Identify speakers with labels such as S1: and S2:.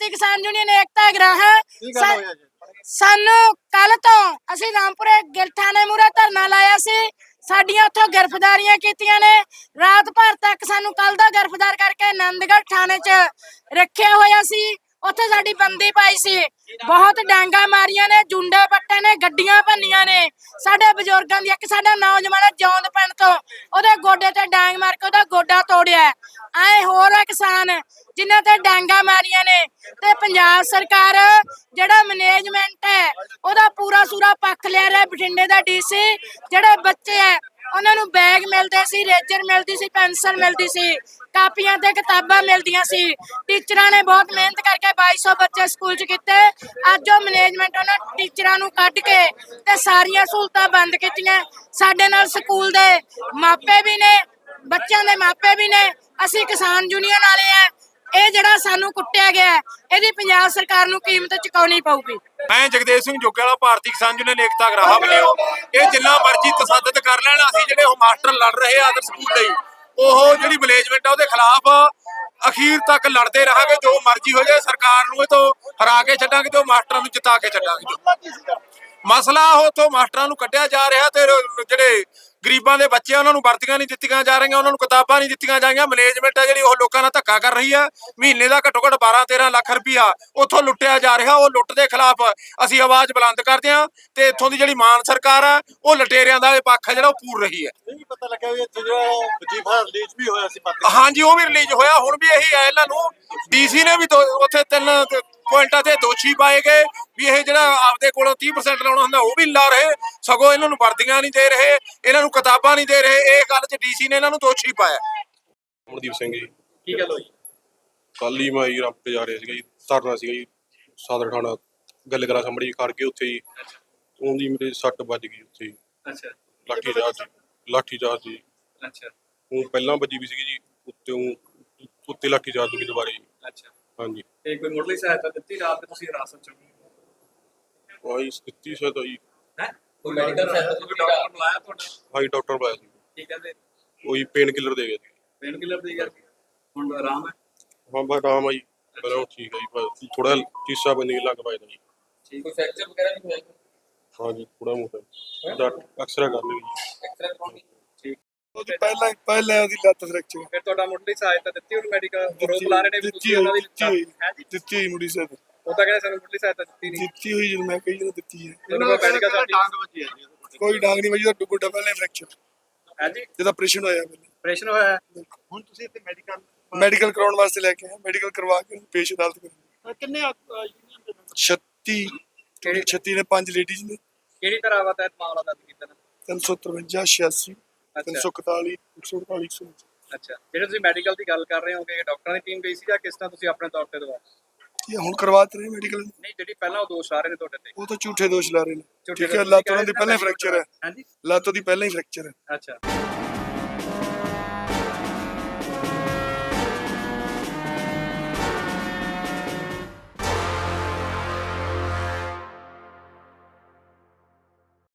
S1: ਭਾਰਤੀ ਕਿਸਾਨ ਯੂਨੀਅਨ ਏਕਤਾ ਗ੍ਰਾਹ ਸਾਨੂੰ ਕੱਲ ਤੋਂ ਅਸੀਂ ਰਾਮਪੁਰੇ ਗਿੱਲ ਥਾਣੇ ਮੂਹਰੇ ਧਰਨਾ ਲਾਇਆ ਸੀ। ਸਾਡੀਆਂ ਉੱਥੋਂ ਗ੍ਰਿਫਤਾਰੀਆਂ ਕੀਤੀਆਂ ਨੇ। ਰਾਤ ਭਰ ਤੱਕ ਸਾਨੂੰ ਕੱਲ ਦਾ ਗ੍ਰਿਫਤਾਰ ਕਰਕੇ ਆਨੰਦਗੜ੍ਹ ਥਾਣੇ 'ਚ ਰੱਖਿਆ ਹੋਇਆ ਸੀ। ਉੱਥੇ ਸਾਡੀ ਬੰਦੀ ਪਾਈ ਸੀ। ਬਹੁਤ ਡਾਂਗਾ ਮਾਰੀਆਂ ਨੇ, ਜੁੰਡੇ ਪੱਟੇ ਨੇ, ਗੱਡੀਆਂ ਭੰਨੀਆਂ ਨੇ। ਸਾਡੇ ਬਜ਼ੁਰਗਾਂ ਦੀ ਇੱਕ ਸਾਡਾ ਨੌਜਵਾਨ ਜੌਂਦ ਪਿੰਡ ਤੋਂ ਉਹਦੇ ਗੋਡੇ ਤੇ ਡਾਂਗ ਮਾਰ ਕੇ ਉਹਦਾ ਗੋਡਾ ਤੋੜਿਆ। ਐ ਹੋਰ ਆ ਕਿਸਾਨ ਜਿਨ੍ਹਾਂ ਤੇ ਡਾਂਗਾ ਮਾਰੀਆਂ ਨੇ। ਤੇ ਪੰਜਾਬ ਸਰਕਾਰ ਜਿਹੜਾ ਮੈਨੇਜਮੈਂਟ ਹੈ ਉਹਦਾ ਪੂਰਾ ਸੂਰਾ ਪੱਖ ਲਿਆ ਰਿਹਾ। ਬਠਿੰਡੇ ਦਾ ਡੀਸੀ ਜਿਹੜੇ ਬੱਚੇ ਹੈ ਉਹਨਾਂ ਨੂੰ ਬੈਗ ਮਿਲਦੇ ਸੀ, ਰੇਜਰ ਮਿਲਦੀ ਸੀ, ਪੈਨਸਲ ਮਿਲਦੀ ਸੀ, ਕਾਪੀਆਂ ਤੇ ਕਿਤਾਬਾਂ ਮਿਲਦੀਆਂ ਸੀ। ਟੀਚਰਾਂ ਨੇ ਬਹੁਤ ਮਿਹਨਤ ਕਰਕੇ 2200 ਬੱਚੇ ਸਕੂਲ 'ਚ ਕੀਤੇ। ਅੱਜ ਉਹ ਮੈਨੇਜਮੈਂਟ ਉਹਨਾਂ ਟੀਚਰਾਂ ਨੂੰ ਕੱਢ ਕੇ ਤੇ ਸਾਰੀਆਂ ਸਹੂਲਤਾਂ ਬੰਦ ਕੀਤੀਆਂ। ਸਾਡੇ ਨਾਲ ਸਕੂਲ ਦੇ ਮਾਪੇ ਵੀ ਨੇ, ਬੱਚਿਆਂ ਦੇ ਮਾਪੇ ਵੀ ਨੇ। ਅਸੀਂ ਕਿਸਾਨ ਯੂਨੀਅਨ ਵਾਲੇ ਆ। ਇਹ ਜਿਹੜਾ ਸਾਨੂੰ ਕੁੱਟਿਆ ਗਿਆ ਇਹਦੀ ਪੰਜਾਬ ਸਰਕਾਰ ਨੂੰ ਕੀਮਤ ਚੁਕਾਉਣੀ ਪਊਗੀ।
S2: ਮੈਂ ਜਗਦੇਵ ਸਿੰਘ ਜੋਗੇਵਾਲਾ ਭਾਰਤੀ ਕਿਸਾਨ ਯੂਨੀਅਨ ਏਕਤਾ ਗ੍ਰਾਹ ਵੱਲੋਂ ਇਹ ਜਿੰਨਾ ਮਰਜ਼ੀ ਤਸੱਦਦ ਕਰ ਲੈਣ, ਅਸੀਂ ਜਿਹੜੇ ਉਹ ਮਾਸਟਰ ਲੜ ਰਹੇ ਆ ਆਦਰ ਸਕੂਲ ਲਈ, ਉਹ ਜਿਹੜੀ ਮੈਨੇਜਮੈਂਟ ਆ ਉਹਦੇ ਖਿਲਾਫ ਅਖੀਰ ਤੱਕ ਲੜਦੇ ਰਹਾਂਗੇ। ਜੋ ਮਰਜ਼ੀ ਹੋ ਜਾਏ, ਸਰਕਾਰ ਨੂੰ ਇਹ ਤੋਂ ਹਰਾ ਕੇ ਛੱਡਾਂਗੇ ਤੇ ਉਹ ਮਾਸਟਰਾਂ ਨੂੰ ਜਿਤਾ ਕੇ ਛੱਡਾਂਗੇ। ਮਸਲਾ ਉਹ ਤੋਂ ਮਾਸਟਰਾਂ ਨੂੰ ਕੱਢਿਆ ਜਾ ਰਿਹਾ ਤੇ ਜਿਹੜੇ ਗਰੀਬਾਂ ਦੇ ਬੱਚੇ ਉਹਨਾਂ ਨੂੰ ਵਰਦੀਆਂ ਨਹੀਂ ਦਿੱਤੀਆਂ ਜਾ ਰਹੀਆਂ, ਉਹਨਾਂ ਨੂੰ ਕਿਤਾਬਾਂ ਨਹੀਂ ਦਿੱਤੀਆਂ ਜਾਈਆਂ। ਮੈਨੇਜਮੈਂਟ ਹੈ ਜਿਹੜੀ ਉਹ ਲੋਕਾਂ ਨਾਲ ਧੱਕਾ ਕਰ ਰਹੀ ਹੈ। ਮਹੀਨੇ ਦਾ ਘੱਟੋ ਘੱਟ 12-13 ਲੱਖ ਰੁਪਇਆ ਉੱਥੋਂ ਲੁੱਟਿਆ ਜਾ ਰਿਹਾ। ਉਹ ਲੁੱਟ ਦੇ ਖਿਲਾਫ ਅਸੀਂ ਆਵਾਜ਼ ਬੁਲੰਦ ਕਰਦੇ ਹਾਂ ਤੇ ਇੱਥੋਂ ਦੀ ਜਿਹੜੀ ਮਾਨ ਸਰਕਾਰ ਹੈ ਉਹ ਲਟੇਰਿਆਂ ਦਾ ਇਹ ਪੱਖ ਹੈ ਜਿਹੜਾ ਉਹ ਪੂਰ ਰਹੀ ਹੈ।
S3: ਨਹੀਂ ਪਤਾ ਲੱਗਾ ਵੀ ਇੱਥੇ ਜਿਹੜਾ ਵਜੀਫਾ ਰਿਲੀਜ਼ ਵੀ ਹੋਇਆ ਸੀ।
S2: ਹਾਂਜੀ, ਉਹ ਵੀ ਰਿਲੀਜ਼ ਹੋਇਆ। ਹੁਣ ਵੀ ਇਹੀ ਹੈ, ਇਹਨਾਂ ਨੂੰ ਡੀਸੀ ਨੇ ਵੀ ਉੱਥੇ 3 ਪੁਆਇੰਟਾਂ ਤੇ ਦੋਸ਼ੀ ਪਾਏ ਗਏ ਵੀ ਇਹ ਜਿਹੜਾ ਆਪਦੇ ਕੋਲੋਂ 30% ਲਾਉਣਾ ਹੁੰਦਾ ਉਹ ਵੀ ਲਾ ਰਹੇ, ਸਗੋਂ ਇਹਨਾਂ ਨੂੰ ਵਰਦੀਆਂ ਨਹੀਂ ਦੇ ਰਹੇ, ਇਹਨਾਂ ਨੂੰ ਕਿਤਾਬਾਂ ਨਹੀਂ ਦੇ ਰਹੇ। ਇਹ ਗੱਲ 'ਚ ਡੀਸੀ ਨੇ ਇਹਨਾਂ ਨੂੰ ਦੋਸ਼ੀ ਪਾਇਆ।
S4: ਅਮਰਦੀਪ ਸਿੰਘ ਜੀ।
S3: ਕੀ ਗੱਲ ਹੋਈ?
S4: ਕੱਲ ਹੀ ਮੈਂ ਜੀ ਰਾਮਪੁਰ ਜਾ ਰਿਹਾ ਸੀਗਾ ਜੀ, ਧਰਨਾ ਸੀਗਾ ਜੀ ਸਦਰ ਥਾਣਾ ਗੱਲ ਕਰਾ ਸਾਹਮਣੇ ਖੜ ਕੇ ਉੱਥੇ ਜੀ ਉਹਦੀ ਮੇਰੇ ਸੱਟ ਵੱਜ ਗਈ ਉੱਥੇ ਜੀ।
S3: ਅੱਛਾ।
S4: ਲਾਠੀ ਚਾਰਜ ਜੀ।
S3: ਅੱਛਾ।
S4: ਉਹ ਪਹਿਲਾਂ ਵੱਜੀ ਵੀ ਸੀਗੀ ਜੀ, ਉੱਤੇ ਲਾਠੀ ਚਾਰਜ ਹੋ ਗਈ ਦੁਬਾਰੇ ਜੀ।
S3: ਅੱਛਾ।
S4: ਹਾਂਜੀ।
S3: ਤੇ ਕੋਈ ਮੁੱਢਲੀ ਸਹਾਇਤਾ ਦਿੱਤੀ ਰਾਤ ਤੇ ਤੁਸੀਂ ਹਿਰਾਸਤ 'ਚ ਹੋ?
S4: ਆਹੀ ਦਿੱਤੀ ਸਹਾਇਤਾ ਜੀ।
S3: ਹੈ ਕੋਈ ਮੈਡੀਕਲ ਸਹਾਇਤਾ ਤੁਸੀਂ ਡਾਕਟਰ ਬੁਲਾਇਆ ਤੁਹਾਡਾ?
S4: ਹਾਂਜੀ, ਡਾਕਟਰ ਬੁਲਾਇਆ ਸੀ।
S3: ਕੀ ਕਹਿੰਦੇ?
S4: ਉਹੀ ਪੇਨ ਕਿਲਰ ਦੇ ਗਏ ਸੀ।
S3: ਪੇਨ ਕਿਲਰ ਦੇ ਗਿਆ ਸੀ। ਹੁਣ ਆਰਾਮ ਹੈ?
S4: ਹਾਂ ਬਸ ਆਰਾਮ ਆ ਜੀ, ਪਹਿਲਾਂ ਠੀਕ ਆ ਜੀ, ਥੋੜਾ ਚੀਸਾ ਬੰਨੀ ਲੱਗ ਪਾਇਆ ਜੀ।
S3: ਠੀਕ। ਕੋਈ ਫ੍ਰੈਕਚਰ ਵਗੈਰਾ ਵੀ ਹੋਇਆ?
S4: ਹਾਂਜੀ, ਥੋੜਾ ਮੋਟਾ ਐਕਸਰਾ ਕਰ ਲਈ ਜੀ।
S3: ਐਕਸਰੇ ਕਰਾਉਣੀ? ਠੀਕ।
S5: ਉਹਦੀ ਪਹਿਲਾਂ ਉਹਦੀ ਲੱਤ ਫ੍ਰੈਕਚਰ
S3: ਫਿਰ ਤੁਹਾਡਾ ਮੁੱਢਲੀ ਸਹਾਇਤਾ ਦਿੱਤੀ ਉਹਨੂੰ ਮੈਡੀਕਲ ਰੋਕ ਲਾ ਰਹੇ ਨੇ ਵੀ ਤੁਸੀਂ ਉਹਨਾਂ ਦੀ
S5: ਦਿੱਤੀ ਹੋਈ ਮੁੰਡੀ ਸਾਹਿਬ
S3: ਉਹ ਤਾਂ ਕਹਿੰਦੇ ਸਾਨੂੰ ਮੁੱਢਲੀ ਸਹਾਇਤਾ ਦਿੱਤੀ ਨਹੀਂ।
S5: ਦਿੱਤੀ ਹੋਈ ਜਦੋਂ ਮੈਂ ਕਹੀ ਜਦੋਂ ਦਿੱਤੀ ਹੈ।
S3: ਉਹਨਾਂ ਦਾ ਮੈਡੀਕਲ ਡਾਂਗ ਵੱਜੀ ਹੈ?
S5: ਕੋਈ ਡਾਂਗ ਨਹੀਂ ਵੱਜੀ, ਤਾਂ ਗੋਡਾ ਪਹਿਲਾਂ ਫ੍ਰੈਕਚਰ
S3: ਹੈ ਜੀ।
S5: ਜਿਹਦਾ ਆਪਰੇਸ਼ਨ ਹੋਇਆ ਪਹਿਲਾਂ।
S3: ਆਪਰੇਸ਼ਨ ਹੋਇਆ?
S5: ਹੁਣ ਤੁਸੀਂ ਇੱਥੇ ਮੈਡੀਕਲ ਕਰਾਉਣ ਵਾਸਤੇ ਲੈ ਕੇ ਆਏ। ਮੈਡੀਕਲ ਕਰਵਾ ਕੇ ਪੇਸ਼ ਅਦਾਲਤ ਕਰਾਂਗੇ।
S3: ਕਿੰਨੇ
S5: 36 ਨੇ 5 ਲੇਡੀਜ਼ ਨੇ।
S3: ਕਿਹੜੀ ਤਰ੍ਹਾਂ ਦਾ ਮਾਮਲਾ ਦਰਜ ਕੀਤਾ ਨਾ?
S5: 353 86 341 148 149।
S3: ਅੱਛਾ। ਜਿਹੜੇ ਤੁਸੀਂ ਮੈਡੀਕਲ ਦੀ ਗੱਲ ਕਰ ਰਹੇ ਹੋ ਕਿ ਡਾਕਟਰਾਂ ਦੀ ਟੀਮ ਗਈ ਸੀ ਜਾਂ ਕਿਸ ਤਰ੍ਹਾਂ ਤੁਸੀਂ ਆਪਣੇ ਤੌਰ ਤੇ ਦਵਾਇਆ?
S5: ਇਹ ਹੁਣ ਕਰਵਾਤੇ ਰਹੇ ਮੈਡੀਕਲ।
S3: ਨਹੀਂ, ਜਿਹੜੀ ਪਹਿਲਾਂ ਉਹ ਦੋਸ਼ ਆ ਰਹੇ ਨੇ ਤੁਹਾਡੇ ਤੇ
S5: ਉਹ ਤਾਂ ਝੂਠੇ ਦੋਸ਼ ਲਾ ਰਹੇ ਨੇ।
S3: ਝੂਠੇ
S5: ਠੀਕ ਹੈ, ਲੱਤ ਉਹਨਾਂ ਦੀ ਪਹਿਲਾਂ ਹੀ ਫ੍ਰੈਕਚਰ ਹੈ।
S3: ਹਾਂਜੀ।
S5: ਲੱਤ ਉਹਦੀ ਪਹਿਲਾਂ ਹੀ ਫ੍ਰੈਕਚਰ ਹੈ।
S3: ਅੱਛਾ।